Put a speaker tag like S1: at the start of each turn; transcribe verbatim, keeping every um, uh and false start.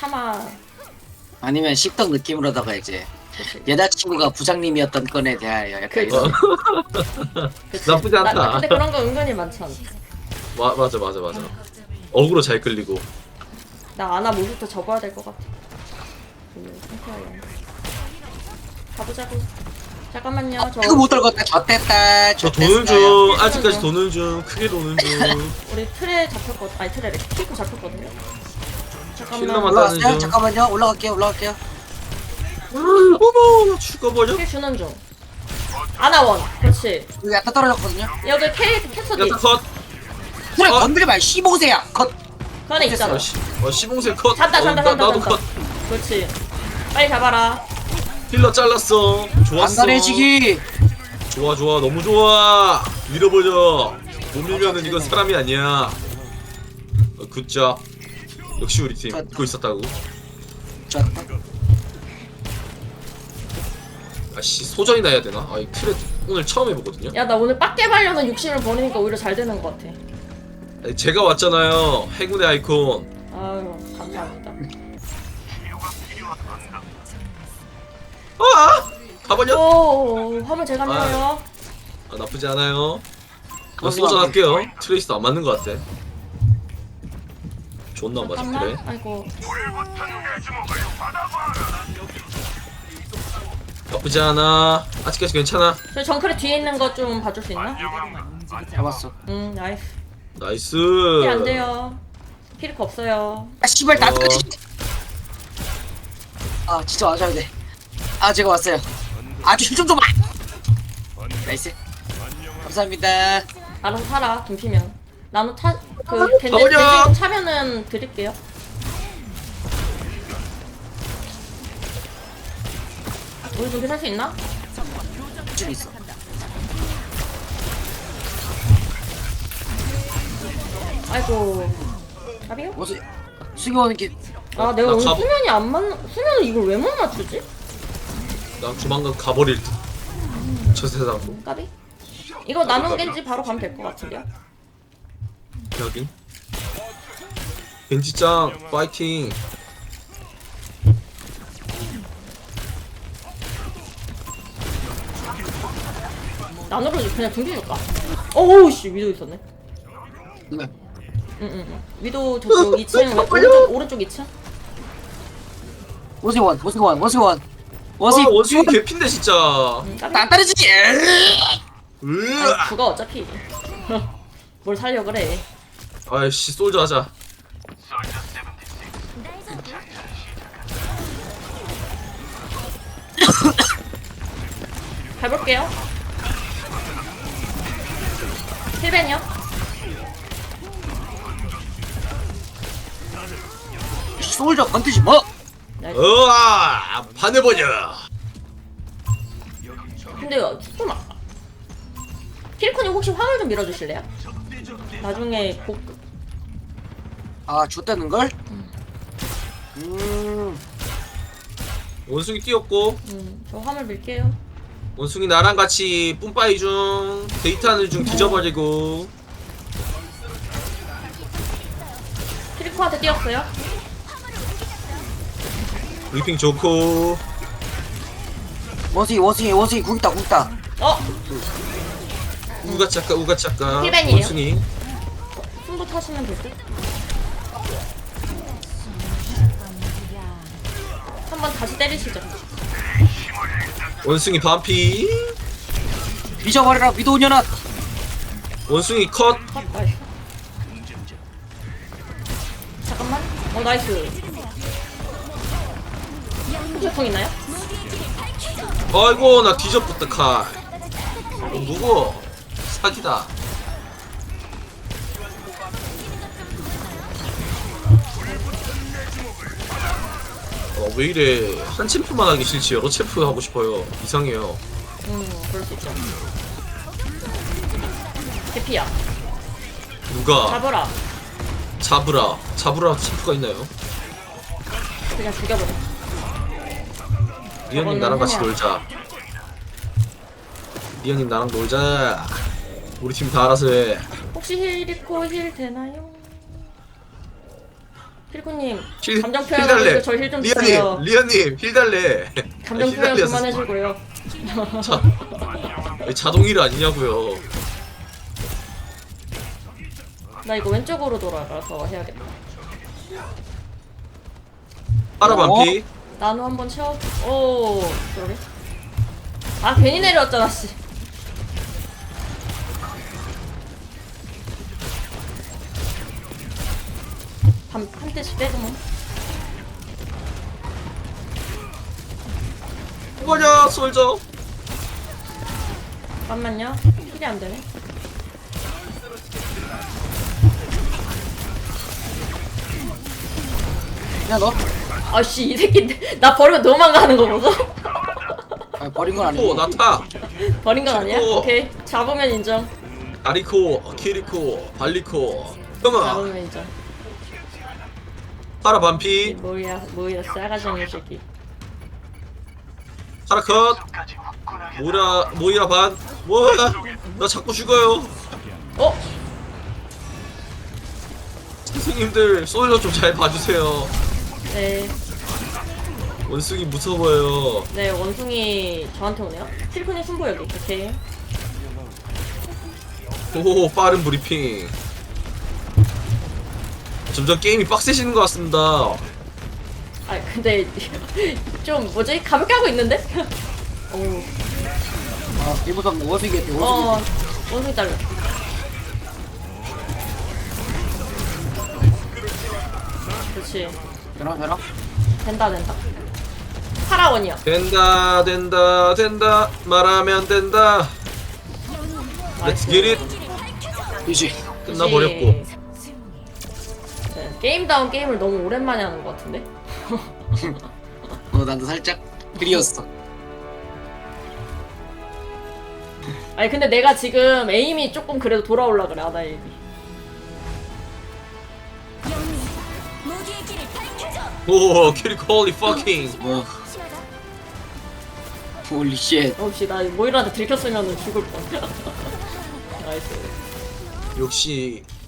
S1: 참아.
S2: 아니면 씹덕 느낌으로다가 이제 여자친구가 부장님이었던 건에 대하여 약간
S1: 그-
S2: 이런.
S1: 그치?
S3: 나쁘지 않다.
S1: 나, 나 근데 그런 거 은근히 많잖아.
S3: 마, 맞아 맞아 맞아. 어그로 잘 끌리고.
S1: 나 아나 모습도 접어야 될 것 같아. 그 상태야. 가보자고. 잠깐만요. 저
S2: 이거 못 들었다. 졌댔다.
S3: 저 도는 중. 아직까지 도는 중. 크게 도는 중.
S1: 우리 틀에 잡혔거든. 아니 틀에 키고 잡혔거든요. 잠깐만.
S3: 킬러만
S2: 올라갔어요?
S3: 따는 중.
S2: 잠깐만요. 올라갈게요. 올라갈게요.
S3: 어머 나 죽어버려.
S1: 킬 주는 중. 아나원. 그렇지.
S2: 여기 약간 떨어졌거든요.
S1: 여기 K 캐서디.
S3: 야타 컷.
S2: 그래
S3: 어.
S2: 건드리 말 씨보세야. 컷.
S1: 그 안에 있잖아.
S3: 어, 시, 어 시봉새 컷.
S1: 잔다
S3: 어,
S1: 잔다
S3: 나,
S1: 잔다
S3: 나도
S1: 잔다.
S3: 컷.
S1: 그렇지. 빨리 잡아라.
S3: 힐러 잘랐어. 좋았어.
S2: 안달해지기.
S3: 좋아 좋아 너무 좋아. 밀어버려. 못 밀면은 이건 사람이 아니야. 어, 굿잡. 역시 우리 팀 믿고 있었다고.
S2: 좋았다.
S3: 아씨 소전이나 해야 되나? 아 이 트레 오늘 처음 해보거든요.
S1: 야 나 오늘 빡게 발려는 욕심을 버리니까 오히려 잘 되는 것 같아.
S3: 아니, 제가 왔잖아요. 행운의 아이콘.
S1: 아유 감사합니다.
S3: 아! 가버려.
S1: 오 화물 제가 밀어요.
S3: 아, 나쁘지 않아요. 나
S2: 거기만
S3: 소전 할게요. 트레이스도 안 맞는 것 같아. 존나 안 맞아
S1: 잠깐만.
S3: 그래.
S1: 아이고.
S3: 나쁘지 않아. 아직까지 괜찮아.
S1: 저 정크레 뒤에 있는 거 좀 봐줄 수 있나?
S2: 잡았어.
S1: 응 나이스.
S3: 나이스.
S1: 힐 안 돼요. 힐크 없어요.
S2: 아 씨발 나
S3: 어.
S2: 끝이. 아 진짜 와줘야 돼. 아 제가 왔어요. 아주 힘좀 줘봐. 나이스. 감사합니다.
S1: 알아서 살아 김피면. 나노 타, 그 겐지
S3: 가버려!
S1: 겐지 차면은 드릴게요. 우리 준비 살 수 있나?
S2: 줄 있어.
S1: 아이고. 답이요?
S2: 뭐지? 수기 오는 길.
S1: 아 내가
S3: 나
S1: 오늘
S3: 가보-
S1: 수면이 안 맞. 수면을 이걸 왜 못 맞추지?
S3: 난 조만간 가버릴 듯. 저 세상으로.
S1: 까비? 이거 나노 겐지 바로 가면 될 것 같은데요?
S3: 여기. 벤지짱 파이팅.
S1: 나노로 그냥 등지 줄까? 어우 씨 위도 있었네.
S2: 네.
S1: 응응응. 위도 저쪽 이 층 오른쪽 오른쪽 이 층.
S2: 원숭이 원, 원숭이 원, 원숭이 원.
S3: 와
S2: 원숭이
S3: 원숭이 개핀데 진짜.
S1: 응, 까비?
S2: 안 따르지.
S3: 으아.
S1: 아니, 죽어 어차피. 뭘 살려 그래.
S3: 아이씨 솔저 하자.
S1: 가볼게요. 힐벤이요?
S2: 솔저 건드지 뭐.
S1: 나이스.
S3: 으아 반해버려.
S1: 근데 좀 아까. 킬코님 혹시 화물 좀 밀어주실래요? 나중에 복.
S2: 아 줬다는 걸? 음.
S3: 원숭이 뛰었고
S1: 음, 저 화물 밀게요.
S3: 원숭이 나랑 같이 뿜빠이 중 데이트하는 중 뒤져버리고.
S1: 킬코한테 뛰었어요.
S3: 브리핑 좋고.
S2: 원숭이 원숭이 원숭이 굵다 굵다.
S1: 어?
S3: 우가차까 우가차까.
S1: 힐벤이에요.
S3: 원숭이.
S1: 승부 타시면 될 듯. 한번 다시 때리시죠.
S3: 원숭이 반피.
S2: 미쳐버려라 미도년아.
S3: 원숭이 컷.
S1: 컷, 나이스. 잠깐만. 어, 나이스. 후추풍 있나요?
S3: 아이고 나 뒤져붙다 칼. 어, 누구? 사기다. 어, 왜 이래. 한 챔프만 하기 싫지 여러 챔프 하고 싶어요. 이상해요.
S1: 음, 그럴 수 있죠. 대피야.
S3: 누가
S1: 잡아라.
S3: 잡으라 잡으라 챔프가 있나요?
S1: 그냥 죽여버려.
S3: 리언님 나랑 같이 놀자. 리언님 나랑 놀자. 우리 팀 다 알아서 해.
S1: 혹시 힐 잃고 힐 되나요? 필코님
S3: 힐,
S1: 감정
S3: 힐
S1: 표현하고
S3: 달래.
S1: 있고 저힐 좀 주세요.
S3: 리아님, 리아님 힐 달래.
S1: 감정
S3: 힐
S1: 표현
S3: 달래
S1: 그만해주고요.
S3: 자, 자동일 아니냐고요.
S1: 나 이거 왼쪽으로 돌아가서 해야겠다.
S3: 파라 반피.
S1: 나노 한번 채워. 오, 그러게. 아 괜히 내려왔잖아 씨. 한, 한 대씩 빼고만.
S3: 뭐냐 솔저.
S1: 잠깐만요. 힐이 안 되네.
S2: 야 너?
S1: 아씨 이 새끼 나 버리고 도망가는 거 보소?
S2: 아, 버린 건
S3: 오
S2: 아니고.
S3: 나타.
S1: 버린 건 아니야?
S3: 오.
S1: 오케이 잡으면 인정.
S3: 아리코, 키리코, 발리코. 형아.
S1: 잡으면 인정.
S3: 파라 반피.
S1: 뭐야 뭐야 싸가지 없는 새끼.
S3: 파라 컷. 모이라 모이라 반. 뭐야? 나 자꾸 죽어요.
S1: 어?
S3: 선생님들 솔저 좀 잘 봐주세요.
S1: 네.
S3: 원숭이 무서워요.
S1: 네 원숭이 저한테 오네요. 필코님 승부 여기. 오케이.
S3: 오 빠른 브리핑. 점점 게임이 빡세지는 것 같습니다.
S1: 아 근데 좀 뭐지 가볍게 하고 있는데? 오.
S2: 아 일보다 원숭이겠대 원숭이.
S1: 어 원숭이 딸려. 그렇지.
S2: 되나 되나?
S1: 된다 된다. 파라원이야.
S3: 된다 된다 된다 말하면 된다. Let's get it.
S2: 이지.
S3: 끝나버렸고.
S1: 네, 게임다운 게임을 너무 오랜만에 하는 것 같은데?
S2: 어 나도 살짝 그리웠어.
S1: 아니 근데 내가 지금 에임이 조금 그래도 돌아올라 그래 아나 에임이.
S3: 오 키리코 홀리 퍼킹.
S2: 뭐. 홀리 쉣.
S1: 혹시 나 모이라한테 들켰으면 죽을 뻔. 나이스.
S3: 역시